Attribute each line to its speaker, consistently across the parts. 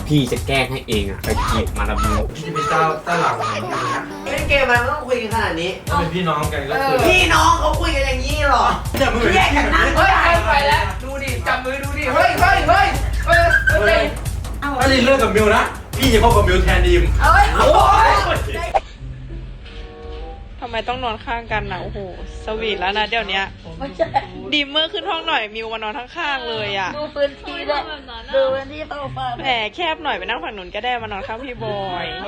Speaker 1: พี่จะแกล้งให้เองอ่ะไปจีบมาลามิว
Speaker 2: พี่เป็นเจ้าหลังของมึงนะ
Speaker 3: เล่นเกมมันไม่ต้องคุยกันขนาดนี้
Speaker 2: ถ้าเป็นพี่น้องกันก็คือ
Speaker 3: พี่น้องเขาคุยกันอย่างนี้หรอ
Speaker 2: จับมือ
Speaker 3: แยกกันนั่ง
Speaker 4: เฮ้ยไปแล้วดูดิจับมือดูดิเฮ้ยเฮ้ยเฮ้ยเฮ้ยเฮ้ย
Speaker 2: ถ้าดินเลิกกับมิวนะพี่จะคบกับมิวแทนดีม
Speaker 4: เฮ้ยโอ้ย
Speaker 5: ทำไมต้องนอนข้างกันนะโอ้โหสวีทแล้วนะเดี๋ยวนี้ดีมเมอร์ขึ้นห้องหน่อยมิวมานอนข้างๆเลยอ่ะ
Speaker 6: ดูพื้นที่ด้วยดูพื้นที่โซฟา
Speaker 5: แหมแคบหน่อยไปนั่งฝั่งนู้นก็ได้มานอนข้างพี่บอย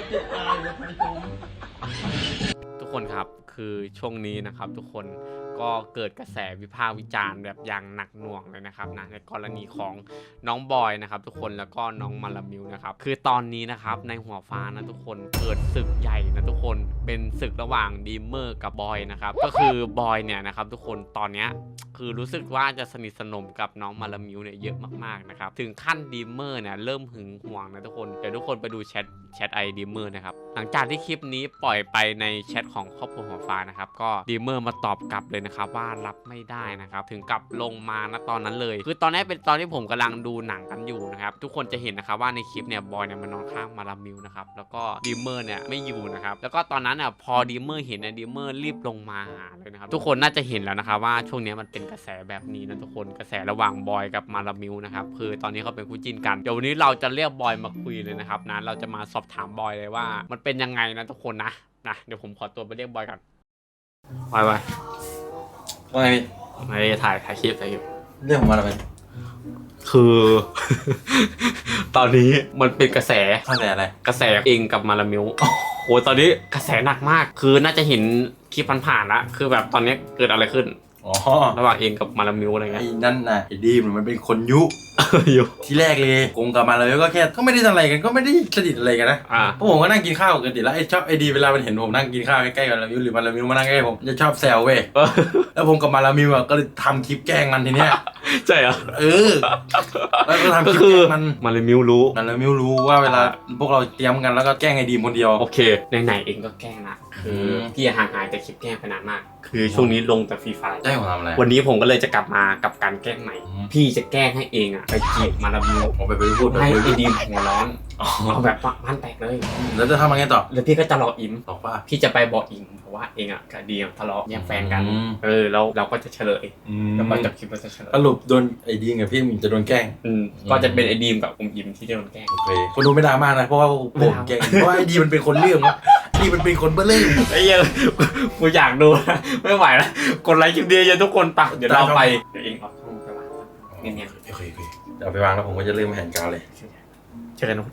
Speaker 1: ทุกคนครับคือช่วงนี้นะครับทุกคนก็เกิดกระแสวิพากษ์วิจารณ์แบบอย่างหนักหน่วงเลยนะครับนะในกรณีของน้องบอยนะครับทุกคนแล้วก็น้องมาลามิวนะครับคือตอนนี้นะครับในหัวฟ้านะทุกคนเกิดศึกใหญ่นะทุกคนเป็นศึกระหว่างดีมเมอร์กับบอยนะครับก็คือบอยเนี่ยนะครับทุกคนตอนเนี้ยคือรู้สึกว่าจะสนิทสนมกับน้องมาลามิวเนี่ยเยอะมากๆนะครับถึงขั้นดีมเมอร์เนี่ยเริ่มหึงหวงนะทุกคนเดี๋ยวทุกคนไปดูแชทไอดีมเมอร์นะครับหลังจากที่คลิปนี้ปล่อยไปในแชทของครอบครัวหัวฟ้านะครับก็ดีมเมอร์มาตอบกลับเลยนะครับว่ารับไม่ได้นะครับถึงกับลงมาณตอนนั้นเลยคือตอนนี้เป็นตอนที่ผมกำลังดูหนังกันอยู่นะครับทุกคนจะเห็นนะครับว่าในคลิปเนี่ยบอยเนี่ยมานอนข้างมาลามิวนะครับแล้วก็ดีมเมอร์เนี่ยไม่อยู่นะครับแล้วก็ตอนนั้นอ่ะพอดีมเมอร์เห็นดีมเมอร์รีบลงมาหาเลยนะครับทุกคนน่าจะเห็นแล้วนะครับว่าช่วงนี้มันเป็นกระแสแบบนี้นะทุกคนกระแสระหว่างบอยกับมาลามิวนะครับคือตอนนี้เขาเป็นคู่จิ้นกันเดี๋ยววันนี้เราจะเรียกบอยมาคุยเลยนะครับนะเราจะมาสอบถามบอยเลยว่ามันเป็นยังไงนะทุกคนนะเดี๋ยวผมขอตัวไปเรียกบอยก่อนบอย
Speaker 2: ว่าไงพี่
Speaker 1: ไม่ได้ถ่ายคลิป
Speaker 2: เรื่องของมันอะไร
Speaker 1: คือ ตอนนี้มันเป็นกระแส
Speaker 2: อะไร
Speaker 1: กระแสเองกับมาลามิวโอ้ตอนนี้กระแสหนักมากคือน่าจะเห็นคลิปผ่านๆแล้วคือแบบตอนนี้เกิดอะไรขึ้น
Speaker 2: อ๋อ
Speaker 1: ระหว่างเองกับมาลามิวอะไรเงี้ย
Speaker 2: ไอ้นั่นน่ะไอ้ดีมมันเป็นคนยุ
Speaker 1: อยู่
Speaker 2: ที่แรกเลยกงกับมาเลยก็แค่ก็ไม่ได้ทำอะไรกันก็ไม่ได้สนิทอะไรกันนะเพราะผมก็นั่งกินข้าวกันติแล้วไอ้ชอบไอ้ดีเวลามันเห็นผมนั่งกินข้าวใกล้ๆกับมาลามิวหรือมาลามิวมานั่งใกล้ผมจะชอบแซวเว้ยแล้วผมกับมาลามิวก็เลยทำคลิปแกล้งมันทีเนี้ย
Speaker 1: ใช่เหรอ
Speaker 2: แล้วก็ทำคลิปแกล้งมัน
Speaker 1: มาลามิวรู้
Speaker 2: ว่าเวลาพวกเราเตรียมกันแล้วก็แกล้งไอ้ดีมคนเดียว
Speaker 1: โอเคไหนเองก็แกล้งนะคือพี่ห่างหายแต่คลิปแกล้งไปนานมากคือช่วงนี้ลงแต่ฟรีไฟล์
Speaker 2: ได้ผมทำอะไร
Speaker 1: วันนี้ผมก็เลยจะกลับมากับการแกล้งใหม่พี่จะแกล้งให้เองอ่ะไปจีบมาลามิว
Speaker 2: ผมไปพูด
Speaker 1: ให้ไอ้ดีมหัวร้อนเอาแบบบ้านแตกเลย
Speaker 2: แล้วจะทำยังไงต่อ
Speaker 1: แล้วพี่ก็จะรออิม
Speaker 2: บอกว่า
Speaker 1: พี่จะไปบอกอิมเพราะว่าเองอ่ะกับดีมทะเลาะแย่งแฟนกันแล้วเราก็จะเฉลยแล้วก็จะคลิปเราจะเฉลย
Speaker 2: สรุปโดนไอ้ดีมกับพี่มินจะโดนแกล้ง
Speaker 1: ก็จะเป็นไอ้ดีมกับอิมที่จะโดนแกล้ง
Speaker 2: โอเคคนดูไม่ดราม่านะเพราะว่าผมแกล้งเพราะว่าไอ้ดีมันเป็นคนเรื่องดีมันเป็นคนเบ้อเล่น
Speaker 1: ไอ้ยังกูอยากดูไม่ไหวแล้วกดไลค์คลิปเดียวทุกคนปักเดี๋ยวเราไปเดี๋ยวเองเอาช่องไปวางเงียบ
Speaker 2: ๆโอเคเดี๋ยวไปวางแล้วผมก็จะเริ่มแผนการเลย
Speaker 1: เจอกันนะ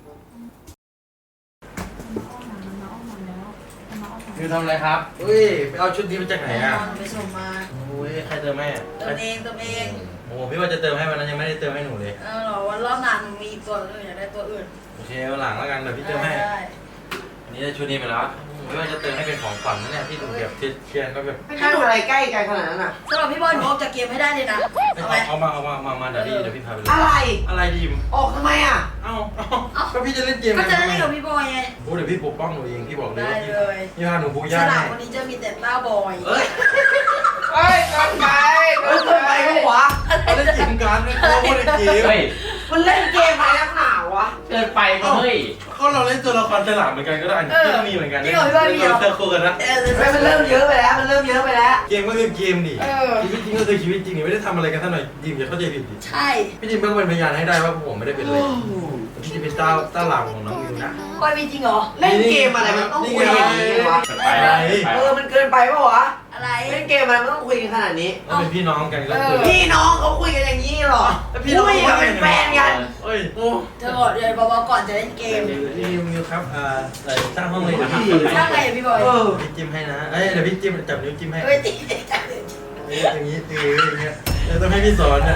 Speaker 2: คือทำอะไรครับไปเอาชุดนี้มาจากไหนอ่ะ
Speaker 6: ไปส่งมา
Speaker 2: ใครเติมให้
Speaker 6: เติมเอง
Speaker 2: โอ้พี่ว่าจะเติมให้วันนั้นยังไม่ได้เติมให้หนูเลย
Speaker 6: หรอวันรอบหน้าหนูมีอีกตัวอื่นอยากได้ตัวอื่น
Speaker 2: โอเควันหลังแล้วกันเดี๋ยวพี่เติมให้อันนี้ได้ชุดนี้ไปแล้วไม่ว่าจะเติมให้เป็นของขวัญนั่นแหละที่หนูแบบเทียนก็แบบ
Speaker 3: ถ้าดูอะไรใกล้กันขนาดนั้นอ่ะ
Speaker 6: สำหรับพี่บอลหนูออกจากเกมให้ได้เลยนะ
Speaker 2: เอามาเดี๋ยวพี่พาไปเลยอะไรดีม
Speaker 3: ออกทำไมอ่ะ
Speaker 2: ก็พี่จะเล่นเกม
Speaker 6: ก็จะเล่นกับพี่บอยไง
Speaker 2: โอ้เดี๋ยวพี่ปกป้องหนูเองพี่บอกเลย
Speaker 6: ได้เลย
Speaker 2: พี่พาหนูพูด
Speaker 6: ยากสนามวันนี้จะมีแต่ต้าบอย
Speaker 3: เฮ้ยกันไปก็วะ
Speaker 2: เล่นเกมกันเลยเขาพูดเกม
Speaker 3: มันเล่นเกมอะไรนักหนาวะ
Speaker 1: เกินไปก็เฮ้ย
Speaker 2: เขาเราเล่นตัวละครฉลาดเหมือนกันก็ได้ก็ต้องมีเหมือนกัน
Speaker 6: นี่ของพี่บอยมีเหรอ
Speaker 2: เจอคู่กันนะ
Speaker 3: มันเริ่มเยอะไปแล้ว
Speaker 2: เกมก็คือเกมดิชีวิตจริงก็คือชีวิตจริงไม่ได้ทำอะไรกันท่านหน่อยดิมอย่าเข้าใจผิดดิ
Speaker 6: ใช่
Speaker 2: พี่ดิมเพิ่งเป็นพยานให้ได้ว่าผมไม่ได้เป็นเลยพี่จะเป็นเจ้าหลังของน้องมิวนะ
Speaker 6: บอยมีจริงเหรอ
Speaker 3: เล่นเกมอะไรมันต้องคุยอย่างนี้วะมันเกินไปป่ะวะ
Speaker 6: อะไร
Speaker 3: เล่นเกมอะไรมันต้องคุยกันขนาดนี้
Speaker 2: เป็นพี่น้องกันก็
Speaker 3: พี่น้องเขาคุยกันอย่างนี้หรอพี่น้องเขาเป็นแฟนกัน
Speaker 6: เธอบอกเดี๋ยวบอกก่อนจะเล่นเกม
Speaker 2: นี่มิวครับสร้างห้องเลยนะครับ
Speaker 6: สร้างไงพี่บอย
Speaker 2: พี่จิ้มให้นะเดี๋ยวพี่จิ้มจับนิ้วจิ้มให้
Speaker 6: จิ้ม
Speaker 2: อย่างนี้อย่างเงี้ยต้องให้พี่สอนนะ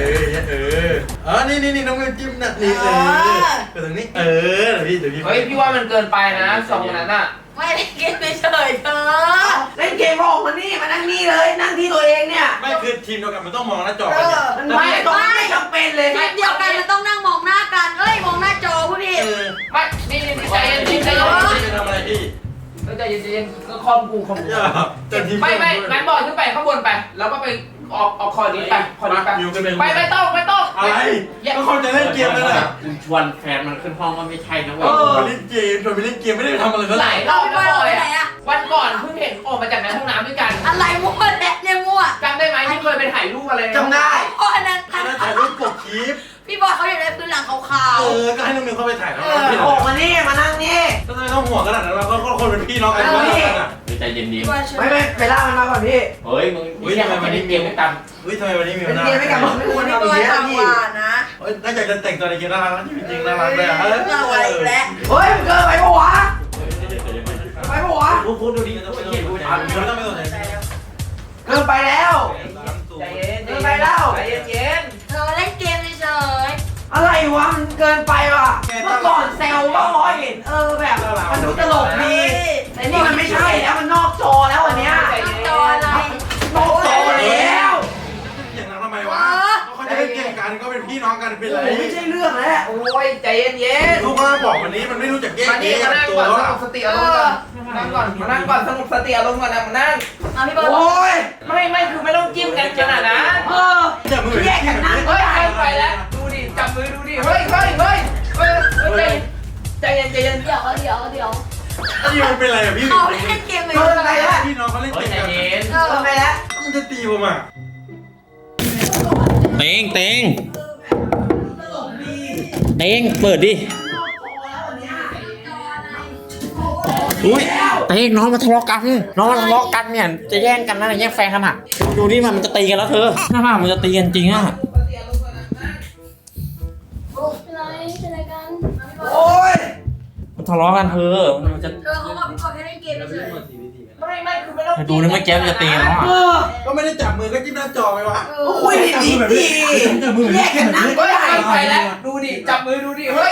Speaker 2: นี่น้องมิวจิ้มนะนี่ไปตรงนี้เดี๋ยวพี่
Speaker 4: เฮ้ยพี่ว่ามันเกินไปนะสองนั้นอ่ะ
Speaker 6: ไม่เล่นเกมเฉยเธอ
Speaker 3: เล่นเกมออกมานี่มานั่งนี่เลยนั่งที่ตัวเองเนี่ย
Speaker 2: ไม่คือทีมเดียวกันมันต้องมองหน้าจอ
Speaker 3: กันมันไม่จำเป็นเลย
Speaker 6: ทีมเดียวกันมันต้องนั่งมองหน้ากันมองหน้าจอผู้ผิด
Speaker 4: ไม่นี่ใจเย็น
Speaker 2: จะทำอะไรพี่
Speaker 4: ใจเย็นก็คอมกูไม่งั้นบอลขึ้นไปข้างบนไปแล้วก็ไปออกคอดีไปคอดีไป
Speaker 2: มิวขึ้นไป
Speaker 4: ไม่ต้อง
Speaker 2: อะไรก็คนจะเล่นเกมแล้วแหละ
Speaker 1: คุณชวนแฟนมันขึ้นห้องก็ไม่ใช่นะเว้ย
Speaker 2: มาเล่นเกมชวนไปเล่นเกมไม่ได้ไปทำอะไรก็
Speaker 4: ห
Speaker 2: ไหล
Speaker 4: ลายรอบแล้วบอยอ่ะวันก่อนเพิ่งเห็นออกมาจากในห้องน้ำด้วยกัน
Speaker 6: อะไรมั่วแหละเนี่ยมั่ว
Speaker 4: จำได้ไหมที่เคยไปถ่ายรูปอะไร
Speaker 3: จำได้
Speaker 6: โอ้อันนั้น
Speaker 2: ถ่ายรูปปกคลิป
Speaker 6: พี่บอยเขาอยากได้พื้นหลังขาว
Speaker 2: ก็ให้น้องมิวเข้าไปถ่ายแล้ว
Speaker 3: โอ้มานี่มานั่งนี่
Speaker 2: ก็ไม่ต้องห่วงขนาดนั้นเราก็คนเป็นพี่น้องกันก็แล้วกันอ่ะ
Speaker 1: ใจเย็นดี
Speaker 6: ๆพี่บอยเชิญ
Speaker 3: ไม่ไปล่ามันมาก่อนพี่
Speaker 1: เฮ้ยมึงนี่ทำไมมันเกมกัน
Speaker 2: เฮ้ยทำไมวันนี้มิว
Speaker 3: เป็น
Speaker 2: น่า
Speaker 3: เกมไม่กลับมาไม่ควร
Speaker 6: พี่
Speaker 3: ทำ
Speaker 6: บ
Speaker 3: อี
Speaker 6: อก ย
Speaker 3: เยอะ
Speaker 6: ต่าง
Speaker 3: พี่
Speaker 6: กว่านะ
Speaker 2: น่าจะแต่งตัวในเกมน่ารักนะจริงๆน่ารักเลยอ่ะ
Speaker 6: เราอะไรอีกแล้ว
Speaker 3: เฮ้ยมึงเกินไปปะวะไปปะวะ
Speaker 2: พูดดูดิไม่ต้องไปสนใจไม่ต้องไปสนใจ
Speaker 3: เกินไปแล้ว
Speaker 4: ใจเย็น
Speaker 3: เกินไปแล้ว
Speaker 4: ใจเย็น
Speaker 6: เธอเล่นเกมเฉย
Speaker 3: อะไรวะมันเกินไปว่ะเมื่อก่อนแซวว่าพอเห็นแบบมันดูตลกดีแต่นี่มันไม่ใช่แล้วมันนอกจอแล้ววันเนี้ย
Speaker 6: ๆน้ำจออะไร
Speaker 3: นอกจอแล้ว
Speaker 2: อย่างนั้นทำไมวะเขาจะเล่นเกมกันก็เป็นพี่น้องกันเป็นไร
Speaker 3: ไม่ใช่เรื่องแล้ว
Speaker 4: โอ้ยใจเย็น
Speaker 2: ลูกมาบอกวันนี้มันไม่รู้จักแยก
Speaker 4: มานี่มานั่ง
Speaker 2: ตัว
Speaker 4: ก่อน
Speaker 2: แล้ว
Speaker 4: สงบสติอารมณ์ก่อนนั่งก่อนมานั่งก่อนสงบสติอารมณ์ก่อนนะมานั่ง
Speaker 6: เอาพี่บอย
Speaker 3: โอ้ย
Speaker 4: ไม่คือไม่ต้องจิ้มกันขนาดนั้น
Speaker 2: จับมือ
Speaker 3: แยกกันนั่ง
Speaker 4: เฮ้ยเกินไปแล้วดูดิจับมือดูดิเฮ้ยใจเย็น
Speaker 6: เดี๋ยว
Speaker 2: นี่มันเป็นไรอ่ะพี่
Speaker 6: เขาเล่นเกมเลย
Speaker 3: เกินไปแล้ว
Speaker 2: พี่น้องเขาเล่น
Speaker 1: เฮ้
Speaker 2: เก
Speaker 1: ย
Speaker 2: ม
Speaker 1: ใจ
Speaker 2: กัน
Speaker 1: เย็น
Speaker 3: เกินไปแล้ว
Speaker 2: มันจะตีผมอ่ะ
Speaker 1: เต็งเปิดดิอุ้ยเต็งน้องมาทะเลาะกันเนี่ยจะแย่งกันนะแย่งแฟนกันอ่ะดูนี่มันจะตีกันแล้วเธอถ้ามันจะตีกันจริงอ่ะ
Speaker 3: โอ้ย
Speaker 1: มันทะเลาะกันเธอมันจะ
Speaker 6: เธอเขาบอกพี่บอยแค่เล่นเกมเฉย
Speaker 4: ไม่คือไม่ต้อง
Speaker 1: ดูนี่ไม่แก้มจะตีกันแล้วอ่ะ
Speaker 2: ก็ไม่ได้จับมือก็จิ้มหน้าจอไปวะ
Speaker 3: คุยดีดีแยกกันนั่งก็ได้
Speaker 4: ไปแล้วดูดิจับมือดูดิเฮ้ย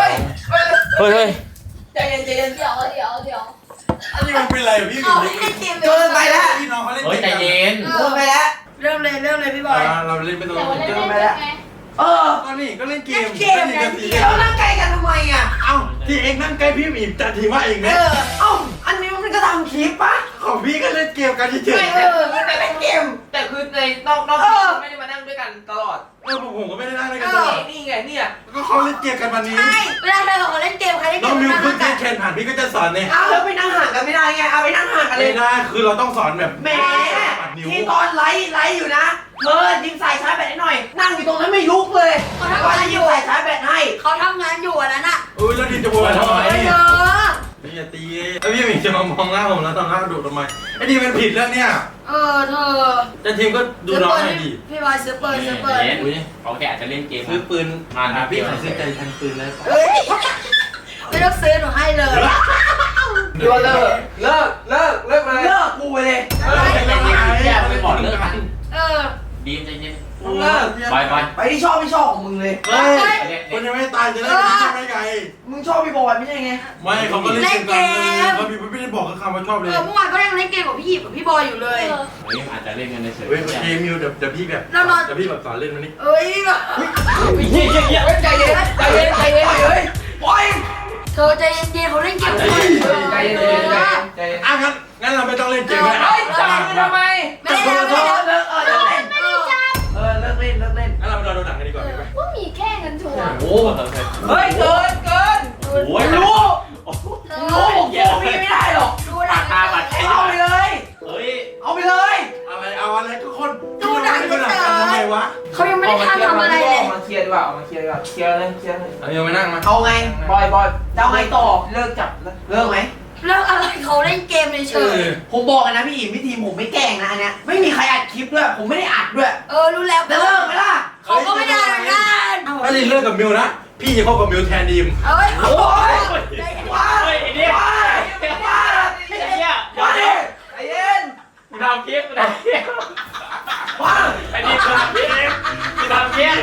Speaker 4: ใจเย็น
Speaker 6: เดี๋ยว
Speaker 2: อันนี้มันเป็นไรพี่
Speaker 6: เขาเล่นเกม
Speaker 3: เกินไปแล้ว
Speaker 2: พี่น้องเขาเล่น
Speaker 1: เฮ้ยใจเย็น
Speaker 3: เกินไปแล้ว
Speaker 6: เริ่มเลยพี่บอย
Speaker 2: เราเล่นไปตรง
Speaker 3: เกินไปแล้ว
Speaker 2: ก็นี่ก็เล่นเกม
Speaker 3: เกมกันแล้วนั่งใกล้กันทำไมอ่ะ
Speaker 2: เอ้าที่เองนั่งใกล้พี่อีกแต่ทีว่าเองเนี่ย
Speaker 3: เอ้าอันนี้มันก็ทำคลิปปะ
Speaker 2: ของพี่ก็เล่นเกมกันเฉย
Speaker 3: แต่เล่นเกม
Speaker 4: แต่คือในนอกไม่ได้มานั่งด้วยกันตลอด
Speaker 2: ผมก็ไม่ได้นั่งด้วยกันตลอด
Speaker 4: นี่ไงเนี่ย
Speaker 2: ก็เขาเล่นเกมกันวันนี้
Speaker 6: ใช่เวลาเธอเขาเล่นเกมใครเล่นเก
Speaker 2: น้อง
Speaker 6: ม
Speaker 2: มิว
Speaker 6: นั่ง
Speaker 2: เพิ่ง
Speaker 6: กั
Speaker 2: เล่
Speaker 6: น
Speaker 2: นแคนผ่านพี่ก็จะสอนเนี่ย
Speaker 3: เอาแล้วไปนั่งห่างกันไม่ได้ไงเอาไปนั่งห่างกันเล
Speaker 2: ไม่
Speaker 3: ย
Speaker 2: ได้คือเราต้องสอนแบบ
Speaker 3: แหมที่ตอนไลฟ์อยู่นะเธอยิงใส่ชาร์จแบตให้หน่อย นั่งอยู่ตรงนั้นไม่ลุกเลยว่าจะยิงใส่ชาร์จแบตให้
Speaker 6: เขาทำงานอยู่อันนั้นอ่ะ
Speaker 2: แล้วดิจะโวยทำไม
Speaker 6: เธอ
Speaker 2: พี่อย่าตีแล้วพี่หมิงจะมามองหน้าผมแล้วทำหน้าดุทำไมไอ้นี่มันผิดแล้วเนี่ย
Speaker 6: เธอ
Speaker 2: แต่ทีมก็ดูน้องหน่อยดิ
Speaker 6: พี่บอยซื้อเปิด
Speaker 1: เขาแกอาจจะเล่นเกม
Speaker 2: ซื้อปืนพี่ขายซื้อใจทันปืนเลย
Speaker 6: เฮ้ยไม่ต้องซื้อหนูให้เลย
Speaker 4: เลิกเลย
Speaker 3: เลิกกูไปเลย
Speaker 1: แย่ไปบอกเลิกกัน ดีมใจเย็น
Speaker 2: เลิก
Speaker 1: ไป
Speaker 3: ไปที่ชอบไม่ชอบของมึงเลย
Speaker 2: เฮ้ยคนยังไม่ตายจะได้ไม่ใช่ไหมไง
Speaker 3: มึงชอบพี่บอยไม่ใช่ไง
Speaker 2: ไม่เขาก็เล่นเกมกันเขาไม่ได้บอกคำว่าชอบเลย
Speaker 6: เมื่อวานก็ยังเล่นเกมกับพี่หยิบกับพี่บอยอยู่เลย
Speaker 1: เฮ้ยอาจจะเล่นกันเฉย
Speaker 2: เฮ้ยเกมมิวเดี๋ยวพี่แบบเดี๋ยวพี่แบบสอนเล่นมันนี่
Speaker 6: เอ้ย
Speaker 4: ใจเย็น
Speaker 3: ปล่อยปล่อย
Speaker 6: เธอใจเย็นๆเขาเล่นเกมกัน
Speaker 4: ใจเย็น
Speaker 2: อ่ะงั้นเราไม่ต้องเล่นเกม
Speaker 4: เฮ้ยจับมือทำไม
Speaker 6: ไม่ได้ไม่ได้
Speaker 3: เลิกเลิกเล่นเลิกเล่น
Speaker 2: งั้นเราไปรอดูหนังกันดีกว่าไหม
Speaker 6: ว่ามีแค่เงินถั่ว
Speaker 1: ๆโอ้
Speaker 4: เฮ้ยเกิน
Speaker 1: โห
Speaker 3: รู้ผมโกงพี่ไม่ได้หรอก
Speaker 6: ดูหนัง
Speaker 1: ตาบัดใคร
Speaker 3: เอาไปเลย
Speaker 1: เฮ้ย
Speaker 3: เอาไปเลย
Speaker 2: อะไรทุกคนทำไมวะ
Speaker 6: เขายังไม่ได้ทำอะไรเลย
Speaker 4: มาเคลียร์ดีกว่ามาเคลียร์เลยเคลียร์เลย
Speaker 2: เอามิวมานั่งมา
Speaker 3: เอาไง
Speaker 4: บอย
Speaker 3: จะเอาไงต่อ
Speaker 4: เลิกจับ
Speaker 3: เลิกไหม
Speaker 6: เรื่องอะไรเขาเล่นเกมเฉย
Speaker 3: ผมบอกกันนะพี่อิมพี่ทีมผมไม่แกล้งนะอันเนี้ยไม่มีใครอัดคลิปด้วยผมไม่ได้อัดด้วย
Speaker 6: รู้แล้ว
Speaker 3: จะเลิกไหมล่ะ
Speaker 6: เขาก็ไม่ได้เหมือนกัน
Speaker 2: ถ้าลินเลิกกับมิวนะพี่จะเข้ากับมิวแทนดีม
Speaker 6: เอ้ย
Speaker 3: โอ้ยว้า
Speaker 1: เฮ้ยไอ้เนี่ย
Speaker 3: ว้า
Speaker 1: ไอ้เนี่ย
Speaker 3: ว้าดิ
Speaker 4: ใจเย็น
Speaker 1: กูทำคลิปกูทำคลิป
Speaker 3: ว้า
Speaker 1: ไอ้นี่กูทำคลิปกูทำคลิป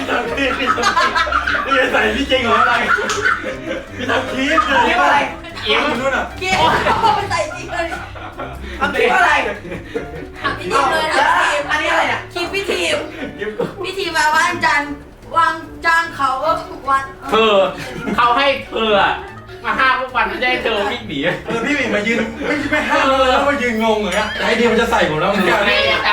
Speaker 2: นี่ใส่พี่จริงเหรออะไรพี่ทำคลิป
Speaker 3: คลิปอะไร
Speaker 2: อิ่มนู่นอ่ะ
Speaker 6: เกมเขาไปใส่จริงเลย
Speaker 3: ทำคลิปอะไร
Speaker 6: ถามพี่ทีมเลยถามพี่ทีม
Speaker 3: อันนี้อะไรเนี่ย
Speaker 6: คลิปพี่ทีมพี่ทีมมาวันจันทร์วางจ้างเขาก็ทุกวัน
Speaker 1: เธอเขาให้เธอมาห้ามพวกมันไม่ใช่เธอวิ่งหนี
Speaker 2: พี่หมิงมายืนไม่ห้ามแล้วมายืนงงเลยอะไอเดียมันจะใส่ผมแล้วมึง
Speaker 1: ในการ
Speaker 6: มันคน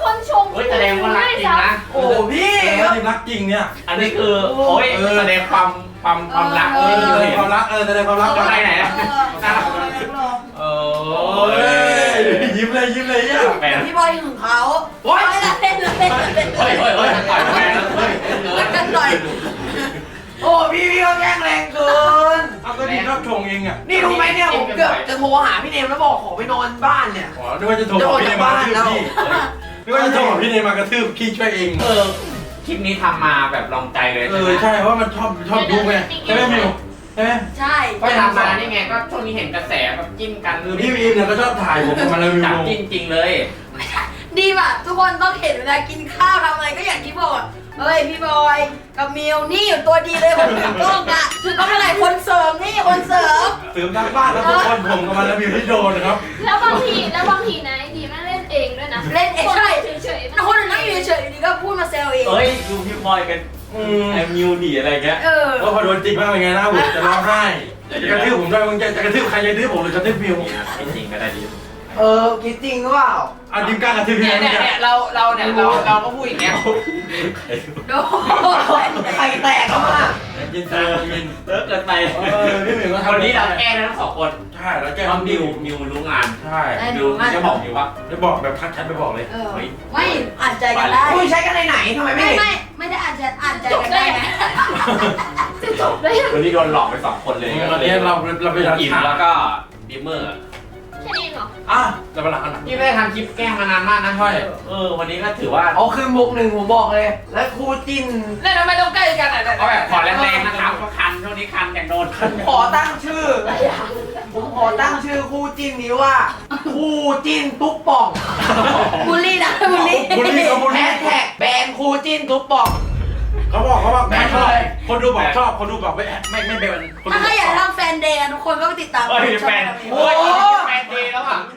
Speaker 7: คนชม
Speaker 1: เฮ้ยแสดงว่ารักจริงนะ
Speaker 3: โอ้พี่
Speaker 2: ทีมรักจริงเนี่ย
Speaker 1: อันนี้คือโอ้ยแสดงความรัก
Speaker 2: แสดงความรักแสดงความรัก
Speaker 1: ไปไหนนะ
Speaker 2: โอ้ยยิ้มเลยเนี่ย
Speaker 1: แปลก
Speaker 6: พี่บอยถึงเขาโอ้ยเล่นเล่น
Speaker 1: เฮ้ยต่อยแปลกนะเฮ้ย
Speaker 6: กันหน่อย
Speaker 3: โอ้พี่ก็แกล้งแรงเกิน
Speaker 2: เอาก็ดีชอบชงเองอ่ะ
Speaker 3: นี่รู้ไหมเนี่ยผมเกือบจะโทรหาพี่เนมแล้วบอกขอไปนอนบ้านเนี่ย
Speaker 2: อ๋อนึกว่าจะโทรบอกพี่เนมมากระทืบพี่นึกว่าจะโทรบอกพี่เนมมากระทืบพี่ช่วยเอง
Speaker 1: คลิปนี้ทำมาแบบลองใจเลย
Speaker 2: ใช่เพราะมันชอบดูไงใช่ไหมมิวใช่ไหม
Speaker 6: ใช่
Speaker 1: ก็ทำมานี่ไงก็ช่วงนี้เห็นกระแสแบบจิ้นกัน
Speaker 2: พี่วีเนี่ยก็ชอบถ่ายผมกับมันเลยมิ
Speaker 1: จับ
Speaker 2: ว
Speaker 1: จิ้นจริงเลย
Speaker 6: ดีป่ะทุกคนต้องเห็นเวลากินข้าวทำอะไรก็อย่างที่บอกเฮ้ยพี่บอยกับมิวนี่อยู่ตัวดีเลยคนถือกล้องอะถือกล้องอะไรคนเสริมนี่คนเสริม
Speaker 2: เสริมทางบ้านแล้วทุกคนผมกับมันแล้วมิวที่โดนครับ
Speaker 7: แล้วบางทีนะไอ้ดีมันเล่นเองด้วยนะ
Speaker 6: เล่นเองใช่
Speaker 7: เฉยๆ
Speaker 6: แต่คนอื่นนั่งอยู่เฉยๆดีก็พูดมาแซวเอง
Speaker 1: เอ้ยดูพี่บอยกันไอ้มิวดีอะไรเงี้ย
Speaker 2: แล้วพอโดนจริงมากเป็นไงนะผมจะร้องไห้จะกระทืบผมด้วยมึงจะกระทืบใครจะกระทืบผมหรือกระทืบมิว
Speaker 1: ไม่จริงก็ได้ดี
Speaker 3: คิดจริงหรือเปล่า
Speaker 2: เอาดิมกล้ากระทืบพี่
Speaker 4: เนี่ย
Speaker 2: ไหม
Speaker 4: เนี่ยเราก็พูดอย่างเงี้ย
Speaker 6: โดน
Speaker 3: ไข่แตกแล้วอ่ะ
Speaker 2: ยินยิน
Speaker 1: เลิกเกินไป
Speaker 2: พี่มิวก็ทำ
Speaker 1: วันนี้เราแก้ทั้งสองคน
Speaker 2: ใช่แล้วแก
Speaker 1: เพราะมิวรู้งาน
Speaker 2: ใช่
Speaker 1: มิวจะบอกมิวว่า
Speaker 2: ได้บอกแบบทักแชทไปบอกเลย
Speaker 6: ไม่อ่านใจกันได้
Speaker 3: คุยใช้กันในไหนทำไมไม่
Speaker 6: ไม่
Speaker 3: เห็น
Speaker 6: ไม่ได้อ่านใจกันได้นะ
Speaker 7: จะจบได้ยัง
Speaker 1: วันนี้โดนหลอกไปสองคนเลย
Speaker 2: ตอนนี้เราไปทำ
Speaker 1: อิ่มแล้วก็ดิมเมอร์
Speaker 7: แค่นี้เหรอ
Speaker 2: อ่ะจะมาหลังอันไหน
Speaker 1: พี่ไม่ได้ทำคลิปแกล้งมานานมากนะวันนี้ก็ถือว่า
Speaker 3: เอาคืนบุกหนึ่งผมบอกเลย แล้วครูจิ้น
Speaker 4: เนี่ยทำไมต้องใกล้กันอ่ะ
Speaker 1: ก็แบบขอแรงๆนะครับก็คันช่วงนี้คันแต่งโดน
Speaker 3: ขอตั้งชื่อ ผมขอตั้งชื่อคู่จิ้นนี้ว่า คู่จิ้นตุ๊กป่อง
Speaker 6: บูลลี่นะบูลลี่
Speaker 2: บุลลี่เขาบุล
Speaker 3: แฮ
Speaker 2: ลี่
Speaker 3: ชแท็กแบนคู่จิ้นตุ๊กป่อง
Speaker 2: เขาบอกแม่ชอบคนดูบอกชอบคนดูบอกไม่เป็นคน
Speaker 6: ถ้า
Speaker 2: ดู
Speaker 6: ใครอยากทำแฟนเดย์ทุกคนก็ไปติดตาม
Speaker 1: เฮ้ยแฟน
Speaker 3: โอ้
Speaker 1: โอ้
Speaker 3: ย
Speaker 1: ยแฟนดีแล้วอ่ะ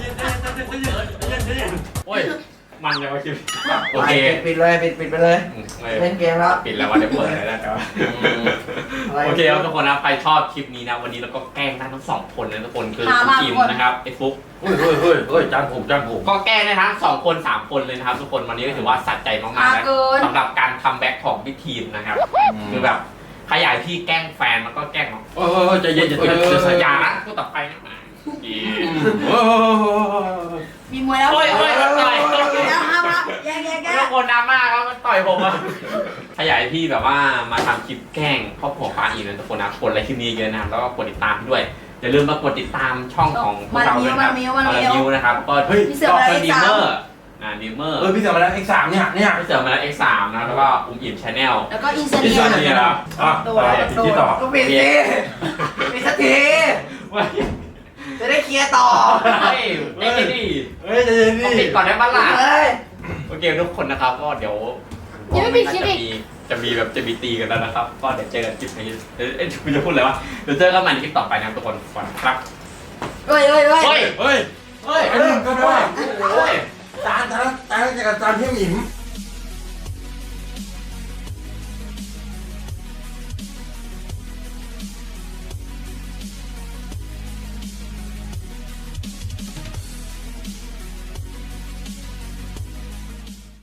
Speaker 1: โอ้ยมันจะมาคิดโอเค
Speaker 3: ปิดเลยปิดไปเลย เล่นเกมแล้ว
Speaker 1: ปิดแล้วว่าจะเปิดอะไรแล้วแต่ว่าโอเคครับทุกคนนะใครชอบคลิปนี้นะวันนี้เราก็แกล้งได้ทั้งสองคนนะทุกคนคือทีมนะครับไอ้ฟุ๊ก
Speaker 2: เฮ้ยจานผม
Speaker 1: ก็แกล้งได้ทั้ง2 คน 3 คนเลยนะครับทุกคนวันนี้ก็ถือว่าสะใจมากๆแล้วสำหรับการคัมแบ็กของพี่ทีมนะครับคือแบบขยายที่แกล้งแฟนแล้วก็แกล้งน้อง
Speaker 2: โอ้ยใจเย็น
Speaker 1: เดี๋ยวสัญญาละพูดต่อไปนะ
Speaker 6: มีมวยแล้ว
Speaker 1: โอ้ย
Speaker 6: แล้วห้ามแย่
Speaker 1: ทุกคนดราม่าครับมันต่อยผมอะขยายที่แบบว่ามาทำคลิปแกล้งครอบครัวปาอีนะทุกคนนะกดไลค์คลิปนี้เยอะนะครับแล้วก็กดติดตามด้วยอย่าลืมมากดติดตามช่องของพวกเราด้วยนะครับมิวนะครับก็เป็นดีเมอร์ดีเมอร์
Speaker 2: พี่เสือมาแล้ว X3 เนี่ย
Speaker 1: พี่เสือมาแล้ว X3 นะแล้วก็อุ้มอิ่มชาแนล
Speaker 6: แล้วก็อินสตา
Speaker 2: ที่
Speaker 6: แกร
Speaker 2: สาม
Speaker 6: ม
Speaker 2: เนี่ยนะที่ต่อ
Speaker 3: ก็ปิดสิปิดสักทีจะได้เคลียร์ต่อ
Speaker 1: เฮ้ยไม่ดี
Speaker 2: เฮ้ยใจเย็น
Speaker 1: ต้อง
Speaker 2: ดิ
Speaker 1: ปิดก่อนได้บ้างล่ะ
Speaker 3: เลย
Speaker 1: โอเคทุกคนนะครับก็เดี๋ยวจะมีตีกันแล้วนะครับก็เดี๋ยวเจอกันคลิปนี้คุณจะพูดอะไรวะเดี๋ยวเจอกันใหม่ในคลิปต่อไปนะทุกคนก่อนครับ
Speaker 6: เฮ้ย
Speaker 2: ไอ้หนึ่งก็ด้วย
Speaker 1: โอ้ย
Speaker 2: จานที่หมิม